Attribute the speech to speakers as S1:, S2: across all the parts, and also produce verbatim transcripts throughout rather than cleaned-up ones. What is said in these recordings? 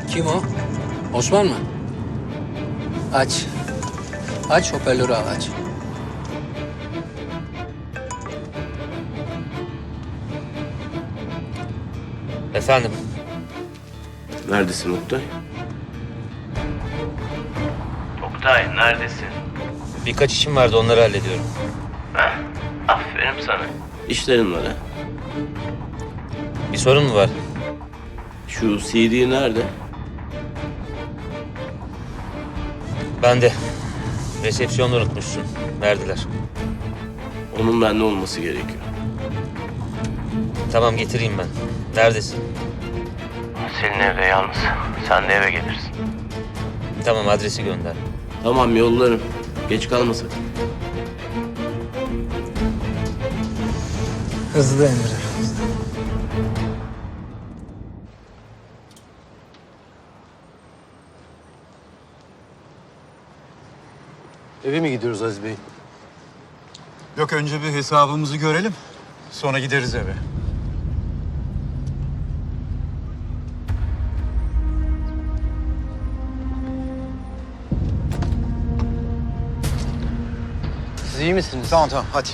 S1: Kim o? Osman mı? Aç. Aç, hoparlörü al, aç.
S2: Efendim,
S3: Neredesin Oktay?
S4: Oktay neredesin?
S2: birkaç işim vardı, onları hallediyorum.
S4: Heh, aferin sana.
S3: İşlerin var ha?
S2: Bir sorun mu var?
S3: Şu C D nerede?
S2: Ben de. Resepsiyonda unutmuşsun. Verdiler.
S3: Onun bende olması gerekiyor.
S2: Tamam, getireyim ben. Neredesin?
S4: Senin evde yalnız. Sen de eve gelirsin.
S2: Tamam, adresi gönder.
S3: Tamam yollarım. Geç kalma sakın.
S1: Hızlı Emre.
S5: Eve mi gidiyoruz Aziz Bey?
S6: Yok, önce bir hesabımızı görelim. Sonra gideriz eve.
S5: Siz iyi misiniz?
S6: Tamam tamam hadi.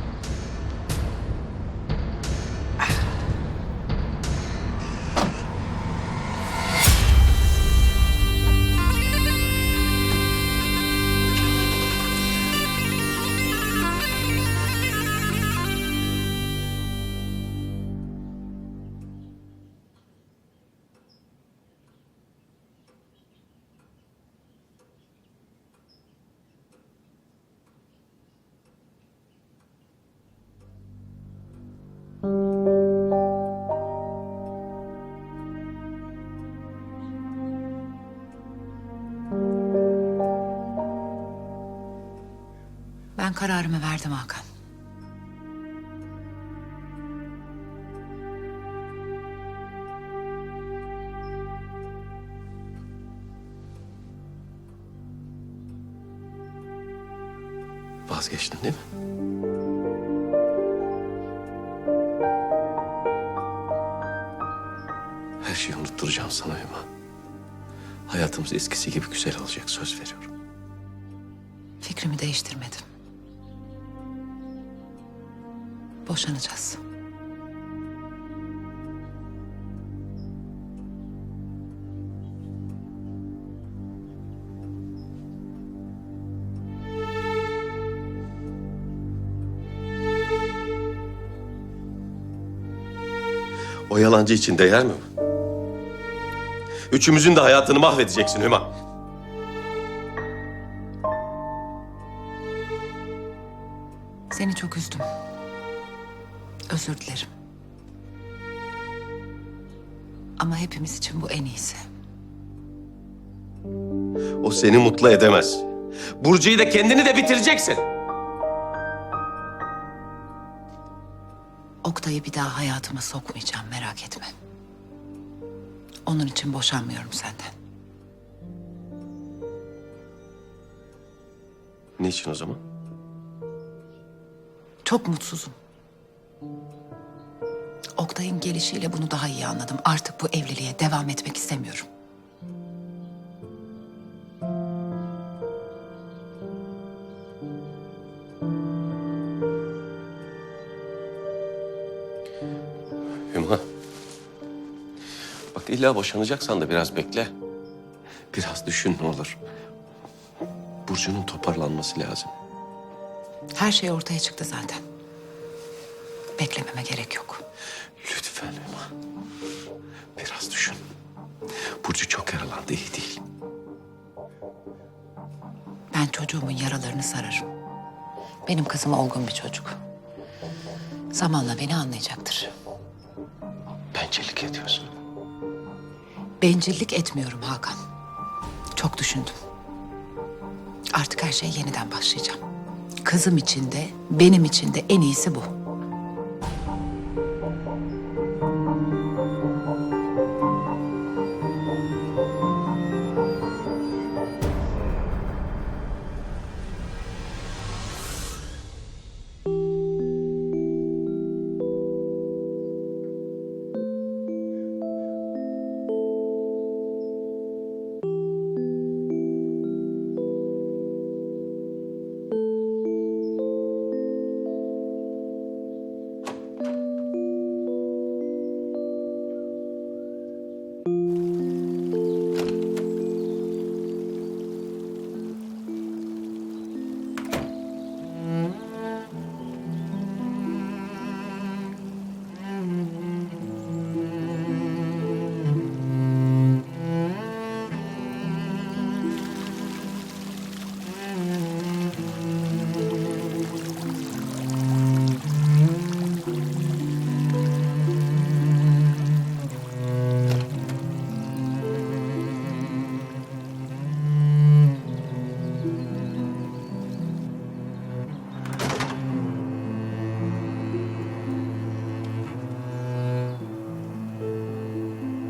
S7: Ben kararımı verdim Hakan.
S3: Vazgeçtin değil mi? Her şeyi unutturacağım sana Hüma. Hayatımız eskisi gibi güzel olacak, söz veriyorum.
S7: Fikrimi değiştirmedim. Boşanacağız.
S3: O yalancı için değer mi? Üçümüzün de hayatını mahvedeceksin Hüma.
S7: Seni çok üzdüm. Özür dilerim. Ama hepimiz için bu en iyisi.
S3: O seni mutlu edemez. Burcu'yu da kendini de bitireceksin.
S7: Oktay'ı bir daha hayatıma sokmayacağım, merak etme. Onun için boşanmıyorum senden.
S3: Niçin o zaman?
S7: Çok mutsuzum. Oktay'ın gelişiyle bunu daha iyi anladım. Artık bu evliliğe devam etmek istemiyorum.
S3: Hüma. Bak illa boşanacaksan da biraz bekle. Biraz düşün ne olur. Burcu'nun toparlanması lazım.
S7: Her şey ortaya çıktı zaten. Beklememe gerek yok.
S3: Lütfen Hüma. Biraz düşün. Burcu çok yaralandı, iyi değil.
S7: Ben çocuğumun yaralarını sararım. Benim kızım olgun bir çocuk. Zamanla beni anlayacaktır.
S3: Bencillik ediyorsun.
S7: Bencillik etmiyorum Hakan. Çok düşündüm. Artık her şey yeniden başlayacağım. Kızım için de benim için de en iyisi bu.